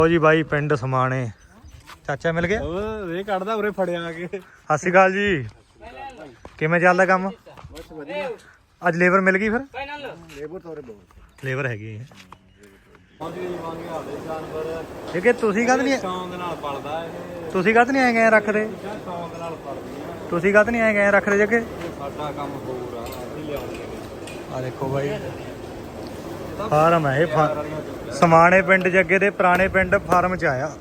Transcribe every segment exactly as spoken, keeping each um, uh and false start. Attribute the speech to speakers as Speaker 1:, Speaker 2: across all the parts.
Speaker 1: ਲੋ ਜੀ ਬਾਈ ਪਿੰਡ ਸਮਾਣੇ ਚਾਚਾ ਮਿਲ ਗਿਆ
Speaker 2: ਇਹ ਕੱਢਦਾ ਉਰੇ ਫੜਿਆ ਆ ਕੇ।
Speaker 1: ਸਤਿ ਸ਼੍ਰੀ ਅਕਾਲ ਜੀ। ਕਿਵੇਂ ਚੱਲਦਾ ਕੰਮ?
Speaker 2: ਬਸ ਵਧੀਆ।
Speaker 1: ਅੱਜ ਲੇਬਰ ਮਿਲ ਗਈ ਫਿਰ?
Speaker 2: ਲੇਬਰ ਤੋਰੇ ਬਹੁਤ
Speaker 1: ਲੇਬਰ ਹੈਗੀ ਹੈ।
Speaker 2: ਪਹੁੰਚ ਗਏ ਜਵਾਨੀ ਹਾਲੇ ਜਾਨਵਰ
Speaker 1: ਇਹ ਕਿ ਤੁਸੀਂ ਕਦ ਨਹੀਂ
Speaker 2: ਸ਼ੌਂਕ ਨਾਲ ਪਲਦਾ ਇਹ।
Speaker 1: ਤੁਸੀਂ ਕਦ ਨਹੀਂ ਆਏ ਗਏ ਰੱਖਦੇ?
Speaker 2: ਸ਼ੌਂਕ ਨਾਲ ਪਲਦੀਆਂ।
Speaker 1: ਤੁਸੀਂ ਕਦ ਨਹੀਂ ਆਏ ਗਏ ਰੱਖਦੇ ਜੱਗੇ?
Speaker 2: ਸਾਡਾ ਕੰਮ ਹੋਰ ਆ ਅਸੀਂ ਲਿਆਉਣੇ।
Speaker 1: ਆ ਦੇਖੋ ਬਾਈ ਫਾਰਮ ਹੈ ਇਹ ਫਾ- ਸਮਾਣੇ ਪਿੰਡ ਜੱਗੇ ਦੇ ਪੁਰਾਣੇ ਪਿੰਡ ਫਾਰਮ ਚ ਆਇਆ।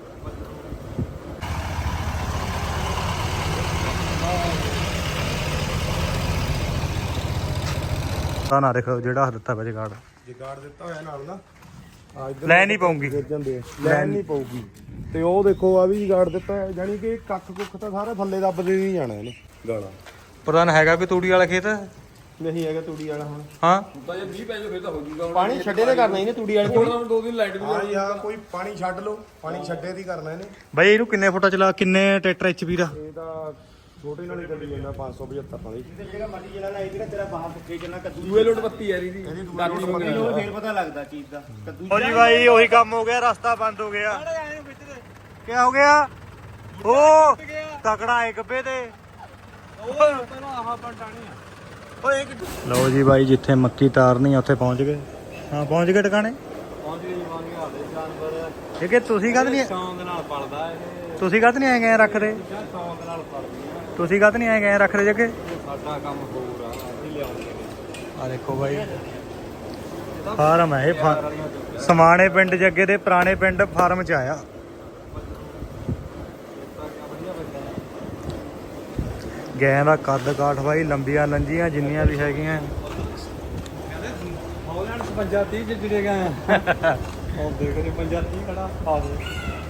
Speaker 1: ਤਾਂ ਨਾ ਦੇਖੋ ਜਿਹੜਾ ਦਿੱਤਾ ਵਾ ਜਗਾੜ
Speaker 2: ਜਗਾੜ ਦਿੱਤਾ ਹੋਇਆ ਨਾਲ ਨਾ ਆ ਇਧਰ
Speaker 1: ਲੈ ਨਹੀਂ ਪਾਉਂਗੀ
Speaker 2: ਗਿਰ ਜਾਂਦੇ ਲੈਣ ਨਹੀਂ ਪਊਗੀ। ਤੇ ਉਹ ਦੇਖੋ ਆ ਵੀ ਜਗਾੜ ਦਿੱਤਾ ਹੈ ਜਾਨੀ ਕਿ ਕੱਖ ਕੁੱਖ ਤਾਂ ਸਾਰਾ ਥੱਲੇ ਦੱਬਦੇ ਨਹੀਂ ਜਾਣਾ ਇਹਨੇ ਗਾਲਾਂ।
Speaker 1: ਪ੍ਰਧਾਨ ਹੈਗਾ ਕੋਈ ਤੂੜੀ ਵਾਲਾ ਖੇਤ?
Speaker 2: ਨਹੀਂ ਹੈਗਾ ਤੂੜੀ ਵਾਲਾ ਹੁਣ।
Speaker 1: ਹਾਂ
Speaker 3: ਤਾਂ ਜੇ ਵੀਹ ਪੈ ਜਾਓ ਫਿਰ ਤਾਂ ਹੋ ਜੂਗਾ।
Speaker 2: ਪਾਣੀ ਛੱਡੇ ਤੇ ਕਰਨਾ ਇਹਨੇ ਤੂੜੀ ਵਾਲੇ
Speaker 3: ਹੁਣ ਦੋ ਦਿਨ ਲਾਈਟ ਵੀ
Speaker 2: ਹਾਂ ਜੀ ਹਾਂ ਕੋਈ ਪਾਣੀ ਛੱਡ ਲਓ ਪਾਣੀ ਛੱਡੇ ਦੀ ਕਰਨਾ ਇਹਨੇ।
Speaker 1: ਬਾਈ ਇਹਨੂੰ ਕਿੰਨੇ ਫੁੱਟਾ ਚਲਾ ਕਿੰਨੇ ਟਰੈਕਟਰ ਐਚ ਪੀ ਦਾ?
Speaker 2: ਇਹ ਤਾਂ ਛੋਟੇ ਨਾਲ ਹੀ ਚੱਲੀ ਜਾਂਦਾ ਪੰਜ ਸੌ ਪਝੱਤਰ ਵਾਲੀ।
Speaker 4: ਜਿਹੜਾ ਮੱਟੀ ਜਿਹੜਾ ਲਾਈ ਜਿਹੜਾ ਤੇਰਾ ਬਾਹਰ ਸੁੱਕੇ ਚੱਲਣਾ ਕੱਦੂ
Speaker 3: ਦੂਏ ਲੋਟ ਬੱਤੀ ਯਾਰ ਇਹਦੀ
Speaker 2: ਇਹਦੀ ਦੂਏ ਲੋਟ ਪੱਕੀ
Speaker 4: ਉਹ ਫੇਰ ਪਤਾ ਲੱਗਦਾ ਚੀਜ਼ ਦਾ ਕੱਦੂ
Speaker 1: ਓ ਜੀ ਬਾਈ ਉਹੀ ਕੰਮ ਹੋ ਗਿਆ, ਰਸਤਾ ਬੰਦ ਹੋ ਗਿਆ। ਕੀ ਹੋ ਗਿਆ? ਓ ਤਕੜਾ ਏ ਗੱਬੇ ਤੇ। ਲਓ ਜੀ ਬਾਈ ਜਿੱਥੇ ਮੱਕੀ ਤਾਰਨੀ ਆ ਉੱਥੇ ਪਹੁੰਚ ਗਏ। ਹਾਂ ਪਹੁੰਚ ਗਏ ਟਿਕਾਣੇ।
Speaker 2: ਪਹੁੰਚ ਗਏ ਜਵਾਨੀ ਹਾਲੇ ਜਾਨਵਰ
Speaker 1: ਇਹ ਕਿ ਤੁਸੀਂ ਕਦ ਨਹੀਂ
Speaker 2: ਸ਼ੌਂਕ ਨਾਲ ਪਲਦਾ ਇਹ।
Speaker 1: ਤੁਸੀਂ ਕਦ ਨਹੀਂ ਆਏ ਗਏ ਰੱਖਦੇ?
Speaker 2: ਸ਼ੌਂਕ ਨਾਲ ਪਲਦੀਆਂ।
Speaker 1: ਤੁਸੀਂ ਕਦ ਨਹੀਂ ਆਏ ਗਏ ਰੱਖਦੇ ਜੱਗੇ?
Speaker 2: ਸਾਡਾ ਕੰਮ ਹੋਰ ਆ ਅਸੀਂ ਲਿਆਉਣੇ।
Speaker 1: ਆ ਦੇਖੋ ਬਾਈ ਫਾਰਮ ਹੈ ਇਹ ਫਾ- ਸਮਾਣੇ ਪਿੰਡ ਜੱਗੇ ਦੇ ਪੁਰਾਣੇ ਪਿੰਡ ਫਾਰਮ ਚ ਆਇਆ। ਗੈਂ ਦਾ ਕੱਦ ਕਾਠ ਬਾਈ ਲੰਬੀਆਂ ਲੰਜੀਆਂ ਜਿੰਨੀਆਂ ਵੀ ਹੈਗੀਆਂ।
Speaker 2: ਹੌਲੈਂਡ ਪੰਜਾਹ ਤੀਹ ਚ ਜਿਹੜੇ ਗਏ ਉਹ ਦੇਖਦੇ ਪੰਜਾਹ ਤੀਹ ਖੜਾ ਆ ਦੇ।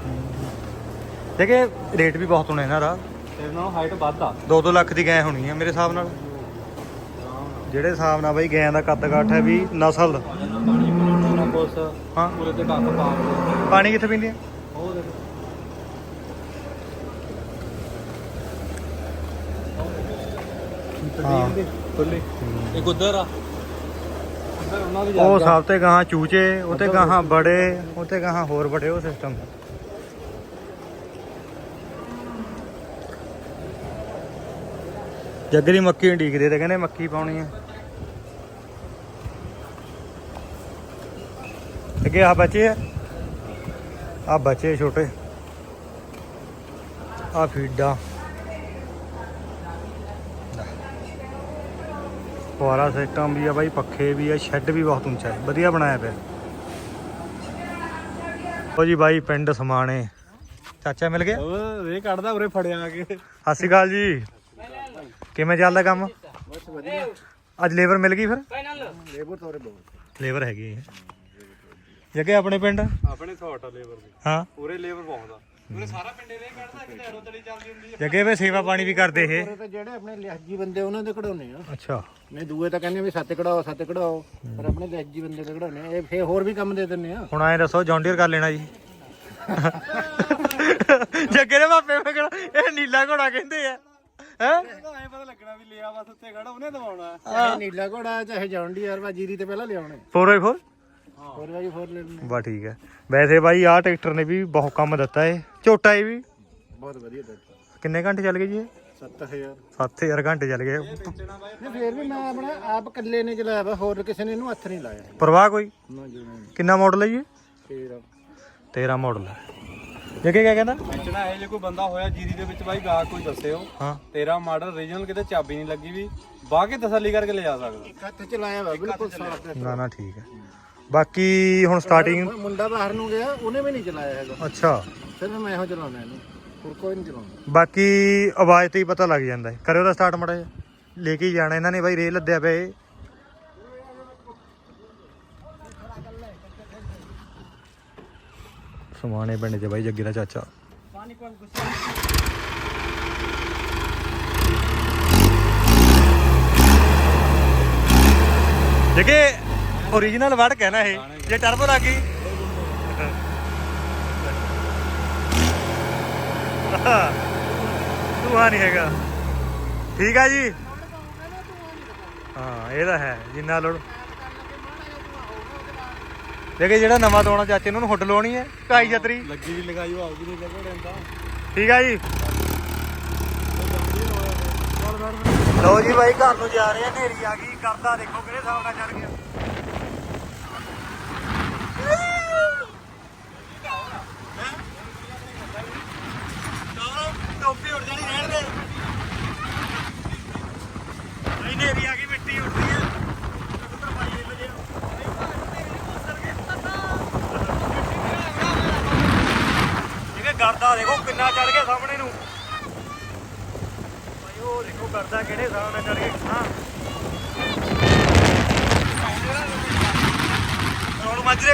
Speaker 1: ਦੇਖੇ ਰੇਟ ਵੀ ਬਹੁਤ ਹੋਣਾ ਇਹਨਾਂ ਦਾ।
Speaker 2: ਤੇਰੇ ਨਾਲ ਹਾਈਟ ਵੱਧ ਆ।
Speaker 1: ਦੋ ਦੋ ਲੱਖ ਦੀ ਗੈਂ ਹੋਣੀ ਹੈ ਮੇਰੇ ਹਿਸਾਬ ਨਾਲ। ਜਿਹੜੇ ਹਿਸਾਬ ਨਾਲ ਬਾਈ ਗੈਂ ਦਾ ਕੱਦ ਕਾਠ ਹੈ ਵੀ ਨਸਲ ਦਾ।
Speaker 2: ਪਾਣੀ ਪਲਾਉਣਾ ਨਾ ਕੁਛ
Speaker 1: ਹਾਂ
Speaker 2: ਪੂਰੇ ਤੇ ਕੱਖ ਪਾ ਦੇ।
Speaker 1: ਪਾਣੀ ਕਿੱਥੇ ਪੀਂਦੀ ਹੈ?
Speaker 2: ਉਹ ਦੇਖ
Speaker 1: ਹਾਂ
Speaker 2: ਖੁੱਲੇ ਇੱਕ ਉਧਰ ਆ ਉਧਰ ਉਹਨਾਂ ਦੀ
Speaker 1: ਉਹ ਸਭ ਤੇ ਗਾਹਾਂ ਚੂਚੇ ਉਤੇ ਗਾਹਾਂ ਬੜੇ ਉਤੇ ਗਾਹਾਂ ਹੋਰ ਬੜੇ ਉਹ ਸਿਸਟਮ। ਜੱਗਰੀ ਮੱਕੀ ਢੀਕਦੇ ਤੇ ਕਹਿੰਦੇ ਮੱਕੀ ਪਾਉਣੀ ਹੈ। ਅੱਗੇ ਆ ਬੱਚੇ ਆ ਆ ਬੱਚੇ ਛੋਟੇ ਆ ਫੀਡਾ ਫੁਆਰਾ ਸਿਸਟਮ ਵੀ ਆ ਬਾਈ, ਪੱਖੇ ਵੀ ਆ, ਸ਼ੈੱਡ ਵੀ ਬਹੁਤ ਉੱਚਾ ਹੈ, ਵਧੀਆ ਬਣਾਇਆ ਪਿਆ। ਓ ਜੀ ਬਾਈ ਪਿੰਡ ਸਮਾਣੇ ਚਾਚਾ ਮਿਲ ਗਿਆ।
Speaker 2: ਉਹ ਇਹ ਕੱਢਦਾ ਉਰੇ ਫੜਿਆ ਆ ਕੇ।
Speaker 1: ਸਤਿ ਸ਼੍ਰੀ ਅਕਾਲ ਜੀ। ਕਿਵੇਂ ਚੱਲਦਾ ਕੰਮ?
Speaker 2: ਬਸ ਵਧੀਆ।
Speaker 1: ਅੱਜ ਲੇਬਰ ਮਿਲ ਗਈ ਫਿਰ?
Speaker 2: ਲੇਬਰ ਤੋਰੇ ਬਹੁਤ
Speaker 1: ਲੇਬਰ ਹੈਗੀ ਹੈ ਜੱਗੇ ਆਪਣੇ ਪਿੰਡ।
Speaker 2: ਆਪਣੇ ਥੋਟ ਆ ਲੇਬਰ ਦੀ।
Speaker 1: ਹਾਂ
Speaker 2: ਉਰੇ ਲੇਬਰ ਬਹੁਤ ਆ। ਉਰੇ ਸਾਰਾ ਪਿੰਡੇ ਰੇ ਕੱਢਦਾ ਕਿਤੇ ਐਰੋ ਤਲੀ ਚੱਲਦੀ ਹੁੰਦੀ ਆ।
Speaker 1: ਜੱਗੇ ਵੇ ਸੇਵਾ ਪਾਣੀ ਵੀ ਕਰਦੇ ਇਹ।
Speaker 4: ਤੇ ਜਿਹੜੇ ਆਪਣੇ ਲਿਹਾਜੀ ਬੰਦੇ ਉਹਨਾਂ ਦੇ ਕਢਾਉਣੇ ਆ।
Speaker 1: ਅੱਛਾ
Speaker 4: ਨਹੀਂ ਦੂਏ ਤਾਂ ਕਹਿੰਦੇ ਵੀ ਸੱਤ ਕਢਾਓ ਸੱਤ ਕਢਾਓ ਪਰ ਆਪਣੇ ਲਿਹਾਜੀ ਬੰਦੇ ਦੇ ਕਢਾਉਣੇ ਆ। ਇਹ ਫੇਰ ਹੋਰ ਵੀ ਕੰਮ ਦੇ ਦਿੰਨੇ ਆ।
Speaker 1: ਹੁਣ ਐਂ ਦੱਸੋ ਜੌਂਡੀਅਰ ਕਰ ਲੈਣਾ ਜੀ? ਜੱਗੇ ਦੇ ਮਾਪੇ ਮੈਂ ਕਿਹੜਾ ਇਹ ਨੀਲਾ ਘੋੜਾ ਕਹਿੰਦੇ ਆ ਹੈ।
Speaker 2: ਐ ਪਤਾ ਲੱਗਣਾ ਵੀ ਲਿਆ ਬਸ ਉੱਤੇ ਖੜਾ ਉਹਨੇ ਦਵਾਉਣਾ।
Speaker 4: ਚਾਹੇ ਨੀਲਾ ਘੋੜਾ ਚਾਹੇ ਜੌਂਡੀ ਯਾਰ ਵਾ ਜੀਰੀ ਤੇ ਪਹਿਲਾਂ ਲਿਆਉਣੇ।
Speaker 1: ਫੋਰ ਬਾਈ ਫੋਰ
Speaker 4: ਹੋਰ ਵਾਰੀ ਫੋਰ ਲੈਣੇ
Speaker 1: ਬਾ ਠੀਕ ਹੈ। ਵੈਸੇ ਬਾਈ ਆਹ ਟਰੈਕਟਰ ਨੇ ਵੀ ਬਹੁਤ ਕੰਮ ਦਿੱਤਾ ਏ। ਝੋਟਾ ਇਹ ਵੀ
Speaker 4: ਬਹੁਤ ਵਧੀਆ ਟਰੈਕਟਰ।
Speaker 1: ਕਿੰਨੇ ਘੰਟੇ ਚੱਲ ਗਏ ਜੀ ਇਹ?
Speaker 4: ਸੱਤ ਹਜ਼ਾਰ
Speaker 1: ਸੱਤ ਹਜ਼ਾਰ ਘੰਟੇ ਚੱਲ ਗਏ।
Speaker 4: ਨਹੀਂ ਫੇਰ ਵੀ ਮੈਂ ਆਪਣਾ ਆਪ ਇਕੱਲੇ ਨੇ ਚਲਾਇਆ ਵਾ ਹੋਰ ਕਿਸੇ ਨੇ ਇਹਨੂੰ ਹੱਥ ਨਹੀਂ ਲਾਇਆ।
Speaker 1: ਪਰਵਾਹ ਕੋਈ?
Speaker 4: ਨਾ ਜੀ ਨਾ।
Speaker 1: ਕਿੰਨਾ ਮਾਡਲ ਹੈ ਜੀ?
Speaker 4: ਫੇਰ
Speaker 1: ਤੇਰਾ ਮਾਡਲ ਹੈ। ਜੱਗੇ ਕਿਆ ਕਹਿੰਦਾ?
Speaker 2: ਵੇਚਣਾ ਇਹ ਜੇ ਕੋਈ ਬੰਦਾ ਹੋਇਆ ਜੀਰੀ ਦੇ ਵਿੱਚ ਬਾਈ ਗਾ ਕੋਈ ਦੱਸਿਓ।
Speaker 1: ਹਾਂ
Speaker 2: ਤੇਰਾ ਮਾਡਲ ਰੀਜਨਲ ਕਿਤੇ ਚਾਬੀ ਨਹੀਂ ਲੱਗੀ ਵੀ ਬਾਹ ਕੇ ਤਸੱਲੀ ਕਰਕੇ ਲੈ ਜਾ ਸਕਦਾ।
Speaker 4: ਹੱਥ ਚਲਾਇਆ ਵਾ ਬਿਲਕੁਲ ਸਾਫ।
Speaker 1: ਨਾ ਨਾ ਠੀਕ ਹੈ। ਬਾਕੀ ਹੁਣ ਸਟਾਰਟਿੰਗ
Speaker 4: ਮੁੰਡਾ ਬਾਹਰ ਨੂੰ ਗਿਆ ਉਹਨੇ ਵੀ ਨਹੀਂ ਚਲਾਇਆ ਹੈਗਾ।
Speaker 1: ਅੱਛਾ
Speaker 4: ਸਿਰਫ ਮੈਂ ਇਹੋ ਚਲਾਉਣਾ ਇਹਨੂੰ ਹੋਰ ਕੋਈ ਨਹੀਂ ਚਲਾਉਂਦਾ।
Speaker 1: ਬਾਕੀ ਆਵਾਜ਼ ਤੇ ਹੀ ਪਤਾ ਲੱਗ ਜਾਂਦਾ ਹੈ। ਕਰਿਓ ਦਾ ਸਟਾਰਟ ਮੜਾ ਜਿਹਾ ਲੈ ਕੇ ਹੀ ਜਾਣਾ ਇਹਨਾਂ ਨੇ ਬਾਈ ਰੇਲ ਲੱਦਿਆ ਪਿਆ ਇਹ। ਸਮਾਣੇ ਪਿੰਡ 'ਚ ਬਾਈ ਜੱਗੀ ਦਾ ਚਾਚਾ। ਜੱਗੇ ਓਰੀਜਨਲ ਵੜ ਕੇ ਨਾ ਇਹ ਜੇ ਟਰਬੋ ਲੱਗ ਗਈ ਧੂਆ ਨਹੀਂ ਹੈਗਾ। ਠੀਕ ਆ ਜੀ। ਹਾਂ ਇਹ ਤਾਂ ਹੈ ਜਿੰਨਾ ਲੋੜ ਦੇਖੇ ਜਿਹੜਾ ਨਵਾਂ ਤੋਣਾ ਚਾਚੇ ਨੂੰ ਹੁੱਡ ਲਾਉਣੀ ਹੈ ਢਾਈ ਛਤਰੀ
Speaker 2: ਲੱਗੀ ਵੀ ਲਗਾਈ ਉਹ ਆਉਗੀ ਨਹੀਂ ਲੱਗੋ ਤਾਂ
Speaker 1: ਠੀਕ ਆ ਜੀ। ਲਓ ਜੀ ਬਾਈ ਘਰ ਨੂੰ ਜਾ ਰਹੇ ਆ, ਹਨੇਰੀ ਆ ਗਈ, ਕਰਦਾ ਦੇਖੋ ਕਿਹੜੇ ਹਿਸਾਬ ਨਾਲ ਚੜ ਗਿਆ। ਟੋਪੀ ਉੱਡ ਜਾਣੀ ਰਹਿਣ ਦੇ, ਹਨੇਰੀ ਆ ਗਈ, ਮਿੱਟੀ ਉੱਡ ਰਹੀ ਹੈ। ਕਰਦਾ ਦੇਖੋ ਕਿੰਨਾ ਚੜ ਗਿਆ ਸਾਹਮਣੇ ਨੂੰ ਭਾਈ, ਉਹ ਦੇਖੋ ਕਰਦਾ ਕਿਹੜੇ ਹਿਸਾਬ ਨਾਲ ਚੜ ਗਿਆ। ਹਾਂ ਰੋਡ ਮਾਜਰੇ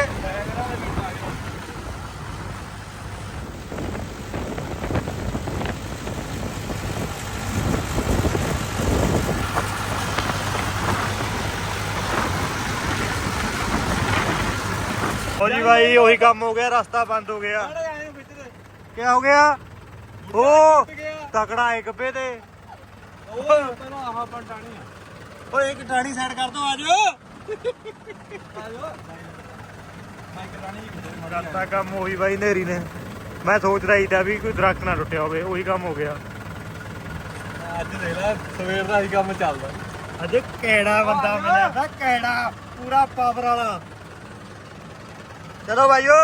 Speaker 1: ਹੋ ਜੀ ਭਾਈ, ਉਹੀ ਕੰਮ ਹੋ ਗਿਆ, ਰਸਤਾ ਬੰਦ ਹੋ ਗਿਆ। क्या हो गया? ओ तकड़ा है गब्बे ते। ओ एक टाणी साइड कर दो, आज करता काम वही भाई नेरी ने। मैं सोच रही था भी कोई दरख्त ना टुटिया होवे, वही काम हो गया।
Speaker 3: ਅੱਜ ਦੇਖ ਲੈ ਸਵੇਰ ਦਾ ਹੀ ਕੰਮ ਚੱਲਦਾ।
Speaker 1: अज कैड़ा बंदा मिला था, कैड़ा पूरा पावर वाला। चलो भाइयों,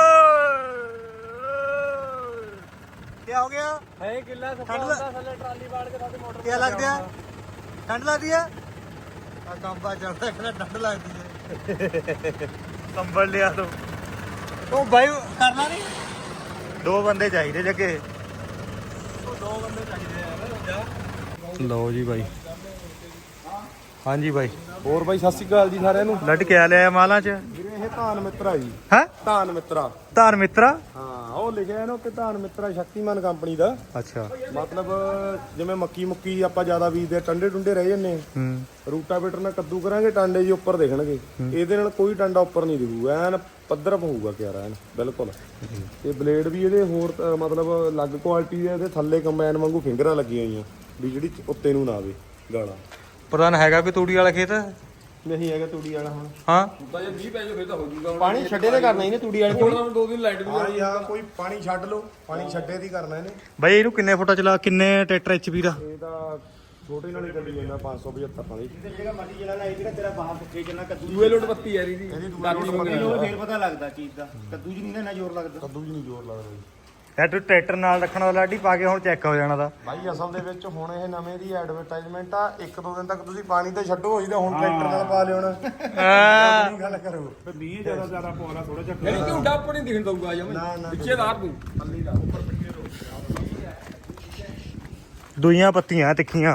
Speaker 1: क्या हो गया?
Speaker 3: ਹੈ ਕਿੱਲਾ
Speaker 1: ठंड ल-
Speaker 3: ਥੱਲੇ ਟਰਾਲੀ ਬਾੜ ਕੇ ਸਾਡੇ ਮੋਟਰ
Speaker 1: क्या लग गया? ठंड लगती है? कंबा चढ़ता है, ठंड लगती है। कंबल लिया तो ओ भाई करना नहीं, दो बंदे चाहिए जगे।
Speaker 3: ਦੋ ਬੰਦੇ ਚਾਹੀਦੇ ਯਾਰ ਜਾ।
Speaker 1: लो जी भाई। हाँ जी भाई,
Speaker 2: ਹੋਰ ਬਾਈ ਸਤਿ ਸ਼੍ਰੀ ਅਕਾਲ ਜੀ ਸਾਰਿਆਂ ਨੂੰ।
Speaker 1: लट क्या लिया माला च?
Speaker 2: ਵੀਰੇ ਇਹ ਧਾਨ ਮਿੱਤਰਾ ਜੀ,
Speaker 1: है
Speaker 2: ਧਾਨ ਮਿੱਤਰਾ।
Speaker 1: धार मित्रा।
Speaker 2: ਹਾਂ ਉਹ ਲਿਖਿਆ ਇਹਨੂੰ ਕਿ ਧਾਨ ਮਿੱਤਰਾ ਸ਼ਕਤੀਮਾਨ ਕੰਪਨੀ ਦਾ।
Speaker 1: अच्छा।
Speaker 2: ਮਤਲਬ ਜਿਵੇਂ ਮੱਕੀ ਮੁੱਕੀ ਆਪਾਂ ਜ਼ਿਆਦਾ ਬੀਜਦੇ ਟੰਡੇ ਟੁੰਡੇ ਰਹਿ ਜੰਨੇ,
Speaker 1: हम्म
Speaker 2: ਰੂਟਾਵੇਟਰ ਨਾਲ ਕੱਦੂ ਕਰਾਂਗੇ, ਟਾਂਡੇ ਜੀ ਉੱਪਰ ਦਿਖਣਗੇ। ਇਹਦੇ ਨਾਲ ਕੋਈ ਟਾਂਡਾ ਉੱਪਰ ਨਹੀਂ ਦਿਖੂ, ਐਨ ਪੱਧਰ ਪਊਗਾ ਕਿਆਰਾ ਐਨ ਬਿਲਕੁਲ। ਤੇ ਬਲੇਡ ਵੀ ਇਹਦੇ ਹੋਰ ਅ, ਮਤਲਬ ਅਲੱਗ ਕੁਆਲਿਟੀ ਦੇ, ਇਹਦੇ ਥੱਲੇ ਕੰਬਾਈਨ ਵਾਂਗੂ ਫਿੰਗਰਾਂ ਲੱਗੀਆਂ ਹੋਈਆਂ ਵੀ ਜਿਹੜੀ ਉੱਤੇ ਨੂੰ ਨਾ ਆਵੇ ਗਾਲਾਂ।
Speaker 1: प्रधान हैगा कोई तूड़ी वाला खेत?
Speaker 2: ਨਹੀਂ ਹੈਗਾ ਤੂੜੀ ਵਾਲਾ ਹੁਣ।
Speaker 1: हाँ
Speaker 3: ਤਾਂ ਜੇ ਮੀਂਹ ਪੈ ਜਾਓ ਫਿਰ ਤਾਂ ਹੋ ਜੂਗਾ।
Speaker 2: ਪਾਣੀ ਛੱਡੇ ਤੇ ਕਰਨਾ ਇਹਨੇ ਤੂੜੀ ਵਾਲੇ
Speaker 3: ਹੁਣ ਤਾਂ ਦੋ ਦਿਨ ਲਾਈਟ ਵੀ
Speaker 2: ਹਾਂ ਜੀ ਹਾਂ, ਕੋਈ ਪਾਣੀ ਛੱਡ ਲਓ, ਪਾਣੀ ਛੱਡੇ ਦੀ ਕਰਨਾ ਇਹਨੇ।
Speaker 1: भाई ਇਹਨੂੰ ਕਿੰਨੇ ਫੁੱਟਾ ਚਲਾ, ਕਿੰਨੇ ਟਰੈਕਟਰ ਐਚਪੀ ਦਾ?
Speaker 2: ਇਹ ਤਾਂ ਛੋਟੇ ਨਾਲ ਹੀ ਚੱਲੀ ਜਾਂਦਾ ਪੰਜ ਸੌ ਪਝੱਤਰ ਵਾਲੀ।
Speaker 4: ਜਿਹੜਾ ਮਰਜ਼ੀ ਜਿਹੜਾ ਇਹ ਜਿਹੜਾ ਤੇਰਾ ਬਾਹਰ ਪੁੱਠੇ ਚੱਲਣਾ ਕੱਦੂ
Speaker 3: ਦੂਏ ਲੋਟ ਬੱਤੀ ਯਾਰ ਇਹਦੀ
Speaker 2: ਇਹਦੀ ਦੂਏ
Speaker 3: ਦਾਦੀ
Speaker 2: ਲੋਟ
Speaker 3: ਮੰਗਣੀ
Speaker 2: ਬੱਤੀ।
Speaker 3: ਹੋਵੇ।
Speaker 4: ਫੇਰ ਪਤਾ ਲੱਗਦਾ ਚੀਜ਼ ਦਾ, ਕੱਦੂ 'ਚ ਨਹੀਂ ਨਾ ਇੰਨਾ ਜ਼ੋਰ ਲੱਗਦਾ।
Speaker 2: ਕੱਦੂ ਜੀ ਨਹੀਂ ਜ਼ੋਰ ਲੱਗਦਾ ਜੀ
Speaker 1: ਇਹ ਤੂੰ ਟਰੈਕਟਰ ਨਾਲ ਰੱਖਣ ਵਾਲਾ ਲਾਡੀ ਪਾ ਕੇ ਹੁਣ ਚੈੱਕ ਹੋ ਜਾਣਾ ਦਾ।
Speaker 2: ਭਾਈ ਅਸਲ ਦੇ ਵਿੱਚ ਹੁਣ ਇਹ ਨਵੇਂ ਦੀ ਐਡਵਰਟਾਈਜ਼ਮੈਂਟ ਆ। ਇੱਕ ਦੋ ਦਿਨ ਤੱਕ ਤੁਸੀਂ ਪਾਣੀ ਤੇ ਛੱਡੋ ਹੋਈ ਤਾਂ ਹੁਣ ਟਰੈਕਟਰ ਨਾਲ ਪਾ ਲਿਓ ਨਾ।
Speaker 1: ਹਾਂ
Speaker 2: ਗੱਲ ਕਰੋ ਫਿਰ ਮੀਂਹ ਜ਼ਿਆਦਾ ਜ਼ਿਆਦਾ ਪਾਉਣਾ ਥੋੜਾ ਜਿਹਾ
Speaker 3: ਯਾਨੀ ਕਿ ਉੱਡਾ ਉੱਪਰ ਨਹੀਂ ਦਿਖਣ ਦਊਗਾ ਜਮੇ
Speaker 2: ਨਾ, ਨਾ।
Speaker 3: ਪਿੱਛੇ ਦਾਰ ਤੂੰ
Speaker 2: ਪੱਲੀ ਦਾ ਉੱਪਰ ਪਿੱਛੇ ਰੋ।
Speaker 1: ਦੁਈਆਂ ਪੱਤੀਆਂ ਤਿੱਖੀਆਂ,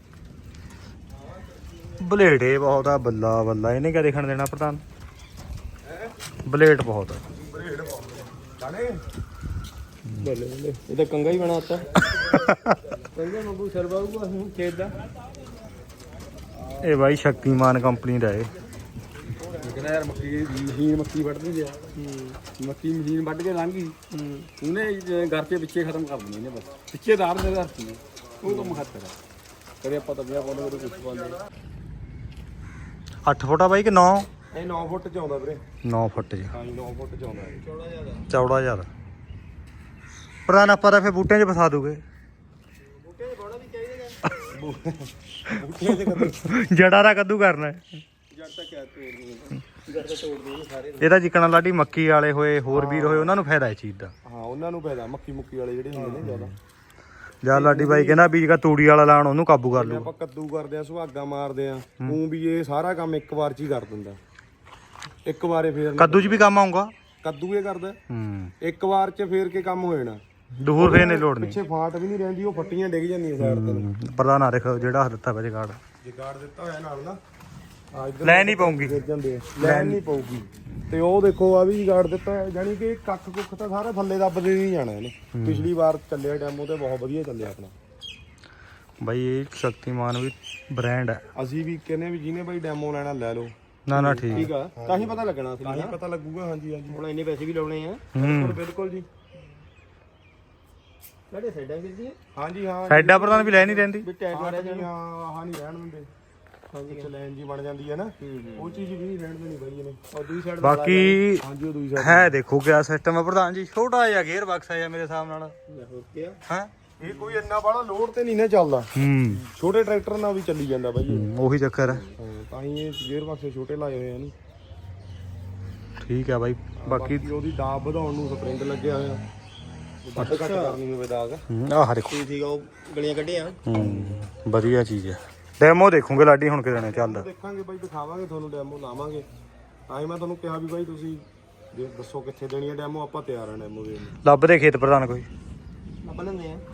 Speaker 1: ਬਲੇਡੇ ਬਹੁਤ ਆ, ਬੱਲਾ ਬੱਲਾ। ਇਹਨੇ ਕਿਆ ਦੇਖਣ ਦੇਣਾ ਪ੍ਰਧਾਨ? ਬਲੇਡ ਬਹੁਤ ਆ।
Speaker 2: ਬਰੇਡ ਪਾਉਂਦੇ ਜਾਣੇ
Speaker 3: ਬੱਲੇ ਬੱਲੇ ਇਹ ਤਾਂ ਕੰਗਾ ਹੀ ਬਣਾਤਾ ਕੰਗਾ ਮੰਗੂ ਸਰਵਾਊਗਾ ਹੁਣ ਖੇਤ ਦਾ।
Speaker 1: ਇਹ ਬਾਈ ਸ਼ਕਤੀਮਾਨ ਕੰਪਨੀ ਦਾ ਏ।
Speaker 3: ਕਹਿੰਦਾ ਯਾਰ ਮੱਕੀ ਦੀ ਮਸ਼ੀਨ ਮੱਕੀ ਵੱਢਦੀ ਗਿਆ ਮੱਕੀ ਮਸ਼ੀਨ ਵੱਢ ਕੇ ਲੰਘ ਗਈ ਉਹਨੇ ਘਰ ਦੇ ਪਿੱਛੇ ਖਤਮ ਕਰ ਦਿੰਦੀ ਨੇ, ਬਸ ਪਿੱਛੇ ਦਾਰ ਦੇ ਧਰਤੀ ਉਹ ਕੰਮ ਖਤਰ ਹੈ। ਕਦੇ ਆਪਾਂ ਤਬਿਆ ਪਾਉਂਦੇ ਕਦੇ ਕੁਛ ਪਾਉਂਦੇ।
Speaker 1: ਅੱਠ ਫੁੱਟਾ ਬਾਈ ਕਿ ਨੌ?
Speaker 2: ਇਹ ਨੌ ਫੁੱਟ ਚ ਆਉਂਦਾ ਵੀਰੇ।
Speaker 1: ਨੌ ਫੁੱਟ ਜੀ,
Speaker 2: ਹਾਂ ਜੀ ਨੌ ਫੁੱਟ ਚ ਆਉਂਦਾ ਇਹ।
Speaker 1: ਚੌੜਾ ਜ਼ਿਆਦਾ। ਪ੍ਰਧਾਨ ਆਪਾਂ ਤਾਂ ਫਿਰ ਬੂਟਿਆਂ 'ਚ ਫਸਾ ਦੂਗੇ।
Speaker 2: ਬੂਟੀਆਂ ਚ ਕੱਦੂ
Speaker 1: ਜੜਾ ਦਾ ਕੱਦੂ ਕਰਨਾ ਹੈ।
Speaker 2: ਜੜ ਤਾਂ ਕਿਆ ਤੋੜਨੀ ਜੜ ਤਾਂ ਤੋੜਨੀ ਸਾਰੇ।
Speaker 1: ਇਹਦਾ ਜਿੱਕਣਾ ਲਾਡੀ ਮੱਕੀ ਵਾਲੇ ਹੋਏ, ਹੋਰ ਵੀਰ ਹੋਏ, ਉਹਨਾਂ ਨੂੰ ਫਾਇਦਾ ਇਸ ਚੀਜ਼ ਦਾ।
Speaker 2: ਹਾਂ ਉਹਨਾਂ ਨੂੰ ਫਾਇਦਾ, ਮੱਕੀ ਮੁੱਕੀ ਵਾਲੇ ਜਿਹੜੇ ਹੁੰਦੇ ਨੇ ਜ਼ਿਆਦਾ।
Speaker 1: ਜਾਂ ਲਾਡੀ ਬਾਈ ਕਹਿੰਦਾ ਬੀਜ ਕਾ ਤੂੜੀ ਵਾਲਾ ਲਾਣ, ਉਹਨੂੰ ਕਾਬੂ ਕਰ ਲੂ।
Speaker 2: ਆਪਾਂ ਕੱਦੂ ਕਰਦੇ ਆ, ਸੁਹਾਗਾ ਮਾਰਦੇ ਆ, ਉਹ ਵੀ ਇਹ ਸਾਰਾ ਕੰਮ ਇੱਕ ਵਾਰ ਚ ਹੀ ਕਰ ਦਿੰਦਾ। ਇੱਕ ਵਾਰੇ ਫੇਰ
Speaker 1: ਕੱਦੂ 'ਚ ਵੀ ਕੰਮ ਆਊਗਾ।
Speaker 2: ਕੱਦੂ ਇਹ ਕਰਦਾ
Speaker 1: ਹੂੰ,
Speaker 2: ਇੱਕ ਵਾਰ ਚ ਫੇਰ ਕੇ ਕੰਮ ਹੋ ਜਾਣਾ।
Speaker 1: ਦੂਰ ਫੇਰ ਨਹੀਂ ਲੋੜ ਨਹੀਂ।
Speaker 2: ਪਿੱਛੇ ਫਾਟ ਵੀ ਨਹੀਂ ਰਹਿੰਦੀ, ਉਹ ਫੱਟੀਆਂ ਡਿੱਗ ਜਾਂਦੀਆਂ ਸਾਈਡ ਤੇ।
Speaker 1: ਪ੍ਰਧਾਨ ਆ ਦੇਖ ਜਿਹੜਾ ਹੱਥ ਦਿੱਤਾ ਵਾ ਜਗਾੜ,
Speaker 2: ਜਿਗਾੜ ਦਿੱਤਾ ਹੋਇਆ ਨਾਲ ਨਾ ਆ ਇੱਧਰ
Speaker 1: ਲੈ ਨਹੀਂ ਪਾਉਂਗੀ।
Speaker 2: ਗਿਰ ਜਾਂਦੇ ਆ, ਲੈਣ ਨਹੀਂ ਪਊਗੀ। ਤੇ ਉਹ ਦੇਖੋ ਆ ਵੀ ਜਿਗਾੜ ਦਿੱਤਾ ਹੈ, ਜਾਨੀ ਕਿ ਕੱਖ ਕੁੱਖ ਤਾਂ ਸਾਰਾ ਥੱਲੇ ਦੱਬਦੇ ਨਹੀਂ ਜਾਣਾ ਇਹਨੇ। ਪਿਛਲੀ ਵਾਰ ਚੱਲਿਆ ਡੈਮੋ ਤੇ ਬਹੁਤ ਵਧੀਆ ਚੱਲਿਆ ਆਪਣਾ।
Speaker 1: ਬਾਈ ਇਹ ਸ਼ਕਤੀਮਾਨ ਵੀ ਬ੍ਰਾਂਡ ਹੈ।
Speaker 2: ਅਸੀਂ ਵੀ ਕਹਿੰਦੇ ਵੀ ਜਿਹਨੇ ਬਾਈ ਡੈਮੋ ਲੈਣਾ ਲੈ ਲਓ।
Speaker 1: ਨਾ ਨਾ ਠੀਕ
Speaker 2: ਠੀਕ ਆ, ਤਾਂ ਹੀ ਪਤਾ ਲੱਗਣਾ ਅਸਲੀ ਨਾ, ਪਤਾ ਲੱਗੂਗਾ। ਹਾਂਜੀ ਹਾਂਜੀ
Speaker 4: ਹੁਣ ਇੰਨੇ ਪੈਸੇ ਵੀ ਲਾਉਣੇ ਆ।
Speaker 1: ਹੂੰ,
Speaker 2: ਬਿਲਕੁਲ ਜੀ।
Speaker 4: ਸਾਡੇ ਸਾਈਡਾਂ ਕਿੱਦੀ
Speaker 2: ਹਾਂਜੀ ਹਾਂ
Speaker 1: ਸਾਡਾ ਪ੍ਰਧਾਨ ਵੀ ਲੈ ਨਹੀਂ ਰਹਿੰਦੀ।
Speaker 4: ਵੀ ਟਾਇਰ ਮਾਰਿਆ
Speaker 2: ਹਾਂਜੀ ਹਾਂ, ਆਹ ਨਹੀਂ ਰਹਿਣ ਦਿੰਦੇ। ਵਿੱਚ ਲਾਈਨ ਜੀ ਬਣ ਜਾਂਦੀ ਹੈ ਨਾ, ਉਹ ਚੀਜ਼ ਵੀ ਰਹਿਣ ਦੇਣੀ ਬਾਈ ਇਹਨੇ। ਔਰ ਦੂਜੀ ਸਾਈਡ
Speaker 1: ਬਾਕੀ
Speaker 2: ਹਾਂਜੀ ਉਹ ਦੂਜੀ ਸਾਈਡ
Speaker 1: ਹੈ ਦੇਖੋ ਕਿਆ ਸਿਸਟਮ ਹੈ ਪ੍ਰਧਾਨ ਜੀ, ਛੋਟਾ ਜਿਹਾ ਗੇਅਰ ਬਾਕਸ ਹੈ ਮੇਰੇ ਹਿਸਾਬ ਨਾਲ
Speaker 4: ਹੋਰ ਕੀ ਆ
Speaker 1: ਹੈ।
Speaker 2: ਇਹ ਕੋਈ ਇੰਨਾ ਬਾਹਲਾ ਲੋਡ ਤੇ ਨਹੀਂ ਨਾ ਚੱਲਦਾ,
Speaker 1: ਹੂੰ
Speaker 2: ਛੋਟੇ ਟਰੈਕਟਰ ਨਾਲ ਵੀ ਚੱਲੀ ਜਾਂਦਾ ਬਾਈ ਇਹ।
Speaker 1: ਉਹੀ ਚੱਕਰ ਹੈ।
Speaker 2: ਹਾਂ, ਤਾਂ ਹੀ ਇਹ ਗੇਅਰ ਬਾਕਸ ਛੋਟੇ ਲਾਏ ਹੋਏ ਆ ਇਹਨੂੰ।
Speaker 1: ਠੀਕ ਹੈ ਬਾਈ। ਬਾਕੀ
Speaker 2: ਬਾਕੀ ਉਹਦੀ ਦਾਬ ਵਧਾਉਣ ਨੂੰ ਸਪਰਿੰਗ ਲੱਗਿਆ ਹੋਇਆ, ਵੱਧ ਘੱਟ ਕਰਨੀ ਹੋਵੇ ਦਾਗ।
Speaker 1: ਆਹ ਦੇਖੋ
Speaker 4: ਠੀਕ ਠੀਕ ਉਹ ਗਲੀਆਂ ਕੱਢੀਆਂ
Speaker 1: ਹੂੰ ਵਧੀਆ ਚੀਜ਼ ਹੈ। ਡੈਮੋ ਦੇਖੂਗੇ ਲਾਡੀ ਹੁਣ ਕਿਦਾਂ ਚੱਲਦਾ।
Speaker 2: ਦੇਖਾਂਗੇ ਬਾਈ, ਦਿਖਾਵਾਂਗੇ ਤੁਹਾਨੂੰ ਡੈਮੋ, ਲਾਵਾਂਗੇ। ਤਾਂ ਹੀ ਮੈਂ ਤੁਹਾਨੂੰ ਕਿਹਾ ਵੀ ਬਾਈ ਤੁਸੀਂ ਜੇ ਦੱਸੋ ਕਿੱਥੇ ਦੇਣੀ ਹੈ ਡੈਮੋ, ਆਪਾਂ ਤਿਆਰ ਆ ਡੈਮੋ ਦੇਣ ਨੂੰ।
Speaker 1: ਲੱਭਦੇ ਖੇਤ ਪ੍ਰਧਾਨ ਕੋਈ
Speaker 4: ਆਪਾਂ ਲੈਂਦੇ ਆ।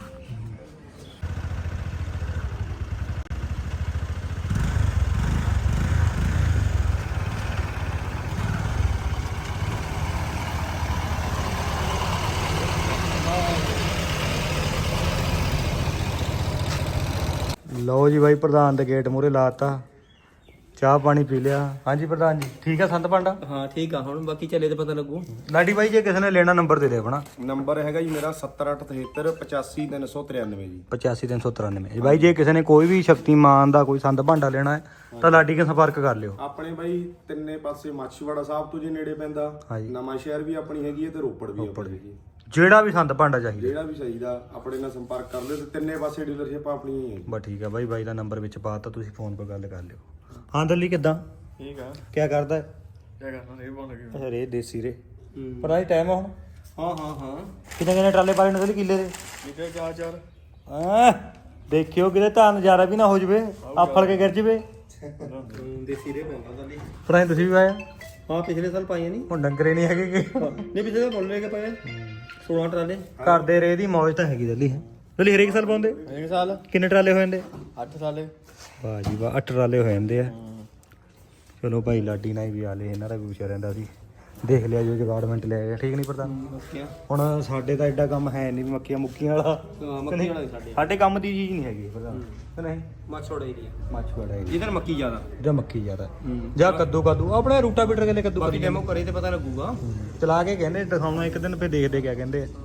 Speaker 1: ਲਓ ਜੀ ਬਾਈ, ਪ੍ਰਧਾਨ ਦੇ ਗੇਟ ਮੂਹਰੇ ਲਾਤਾ, ਚਾਹ ਪਾਣੀ ਪੀ ਲਿਆ। ਹਾਂਜੀ ਪ੍ਰਧਾਨ ਜੀ ਠੀਕ ਆ ਸੰਤ ਪਾਂਡਾ?
Speaker 4: ਹਾਂ ਠੀਕ ਆ, ਹੁਣ ਬਾਕੀ ਚੱਲੇ ਤੇ ਪਤਾ ਲੱਗੂ।
Speaker 1: ਲਾਡੀ ਬਾਈ ਜੇ ਕਿਸੇ ਨੇ ਲੈਣਾ ਨੰਬਰ ਦੇ ਦੇ ਆਪਣਾ।
Speaker 2: ਨੰਬਰ ਹੈਗਾ ਜੀ ਮੇਰਾ ਸੱਤਰ ਅੱਠ ਤਹੇਤਰ ਪਚਾਸੀ ਤਿੰਨ ਸੌ ਤਰਿਆਨਵੇਂ ਜੀ।
Speaker 1: ਪਚਾਸੀ ਤਿੰਨ ਸੌ ਤਰਾਨਵੇਂ। ਬਾਈ ਜੇ ਕਿਸੇ ਨੇ ਕੋਈ ਵੀ ਸ਼ਕਤੀਮਾਨ ਦਾ ਕੋਈ ਸੰਤ ਭਾਂਡਾ ਲੈਣਾ ਹੈ ਤਾਂ ਲਾਡੀ ਕੇ ਸੰਪਰਕ ਕਰ ਲਿਓ।
Speaker 2: ਆਪਣੇ ਬਾਈ ਤਿੰਨੇ ਪਾਸੇ ਮਾਛੀਵਾੜਾ ਸਾਹਿਬ ਤੋਂ ਜੇ ਨੇੜੇ ਪੈਂਦਾ,
Speaker 1: ਹਾਂਜੀ।
Speaker 2: ਨਵਾਂ ਸ਼ਹਿਰ ਵੀ ਆਪਣੀ ਹੈਗੀ ਹੈ ਤੇ ਰੋਪੜ ਵੀ ਆਪਣੀ ਹੈਗੀ ਹੈ।
Speaker 1: ਜਿਹੜਾ ਵੀ ਸੰਤ ਭਾਂਡਾ ਚਾਹੀਦਾ
Speaker 2: ਜਿਹੜਾ ਵੀ ਚਾਹੀਦਾ ਆਪਣੇ ਨਾਲ ਸੰਪਰਕ ਕਰ ਲਿਓ, ਤੇ ਤਿੰਨੇ ਪਾਸੇ ਡੀਲਰਸ਼ਿਪ ਆਪਣੀ ਹੀ ਹੈ।
Speaker 1: ਬਸ ਠੀਕ ਆ ਬਾਈ, ਬਾਈ ਦਾ ਨੰਬਰ ਵਿੱਚ ਪਾਤਾ, ਤੁਸੀਂ ਫੋਨ 'ਤੇ ਗੱਲ ਕਰ ਲਿਓ। ਹਾਂ ਦਿੱਲੀ ਕਿੱਦਾਂ?
Speaker 3: ਠੀਕ ਆ।
Speaker 1: ਕੀ ਕਰਦਾ ਹੈ?
Speaker 3: ਕੀ ਕਰਨਾ, ਇਹ ਬਹੁਤ ਲੱਗੀ।
Speaker 1: ਅੱਛਾ ਰੇ ਦੇਸੀ ਰੇ ਪਰ ਅੱਜ ਟਾਈਮ ਆ ਹੁਣ।
Speaker 3: ਹਾਂ ਹਾਂ ਹਾਂ
Speaker 1: ਕਿੰਨੇ ਕਿੰਨੇ ਟਰਾਲੇ ਪਾਲੇ ਨੇ ਕਿੱਲੇ ਦੇ?
Speaker 3: ਨਿਕਲ ਚਾਰ ਚਾਰ।
Speaker 1: ਹਾਂ ਦੇਖਿਓ ਕਿਤੇ ਤਾਂ ਨਜ਼ਾਰਾ ਵੀ ਨਾ ਹੋ ਜਵੇ, ਆਫੜ ਕੇ ਗਿਰ ਜਵੇ।
Speaker 4: ਦੇਸੀ ਰੇ ਪੈਂਦਾ ਤਾਂ
Speaker 1: ਪਰ ਐਂ ਤੁਸੀਂ ਵੀ ਪਾਇਆ?
Speaker 4: ਹਾਂ ਪਿਛਲੇ ਸਾਲ ਪਾਈਆਂ ਨਹੀਂ।
Speaker 1: ਹੁਣ ਡੰਗਰੇ ਨਹੀਂ ਹੈਗੇ ਕਿ
Speaker 4: ਨਹੀਂ ਪਿਛਲੇ ਸਾਲ ਬੋਲ ਰਹੇ ਕਿ ਪਾਏ ਸੋਲਾਂ ਟਰਾਲੇ।
Speaker 1: ਘਰ ਦੇ ਰੇ ਦੀ ਮੌਜ ਤਾਂ ਹੈਗੀ ਦਿੱਲੀ। ਦਿੱਲੀ ਹਰੇਕ ਸਾਲ ਪਾਉਂਦੇ?
Speaker 4: ਇੱਕ ਸਾਲ
Speaker 1: ਕਿੰਨੇ ਟਰਾਲੇ ਹੋ ਜਾਂਦੇ?
Speaker 4: ਅੱਠ ਸਾਲੇ।
Speaker 1: ਵਾਹ ਜੀ ਵਾਹ, ਅੱਠ ਟਰਾਲੇ ਹੋ ਜਾਂਦੇ ਆ। ਚਲੋ ਭਾਈ ਲਾਡੀ ਨਾਲ ਵੀ ਆ ਲਏ, ਇਹਨਾਂ ਦਾ ਵੀ ਪੁੱਛਿਆ ਰਹਿੰਦਾ ਸੀ। ਦੇਖ ਲਿਆ ਜੋ ਜਗਾੜਮੈਂਟ ਲੈ ਗਿਆ, ਠੀਕ ਨਹੀਂ ਪ੍ਰਧਾਨ?
Speaker 4: ਮੱਕੀਆਂ
Speaker 1: ਹੁਣ ਸਾਡੇ ਤਾਂ ਐਡਾ ਕੰਮ ਹੈ ਨਹੀਂ ਵੀ ਮੱਕੀਆਂ ਮੁੱਕੀਆਂ ਵਾਲਾ।
Speaker 4: ਮੱਕੀ ਵਾਲਾ ਸਾਡੇ
Speaker 1: ਸਾਡੇ ਕੰਮ ਦੀ ਚੀਜ਼ ਨਹੀਂ ਹੈਗੀ ਪ੍ਰਧਾਨ ਕਿ ਨਹੀਂ?
Speaker 4: ਮਾਛੋੜਾ ਏਰੀਆ
Speaker 1: ਮੱਛਵਾੜਾ ਏਰੀਆ
Speaker 4: ਜਿੱਧਰ ਮੱਕੀ ਜ਼ਿਆਦਾ।
Speaker 1: ਜਾਂ ਮੱਕੀ ਜ਼ਿਆਦਾ ਜਾਂ ਕੱਦੂ ਕੱਦੂ ਆਪਣੇ ਰੂਟਾ ਬੀਟਰ ਕੇ ਕੱਦੂ
Speaker 4: ਬਾਕੀ
Speaker 1: ਕਰੀ
Speaker 4: ਡੈਮੋ ਕਰੇ ਤੇ ਪਤਾ ਲੱਗੂਗਾ।
Speaker 1: ਚਲਾ ਕੇ ਕਹਿੰਦੇ ਦਿਖਾਉਣਾ ਇੱਕ ਦਿਨ, ਫੇ ਦੇਖਦੇ ਕਿਆ ਕਹਿੰਦੇ ਆ।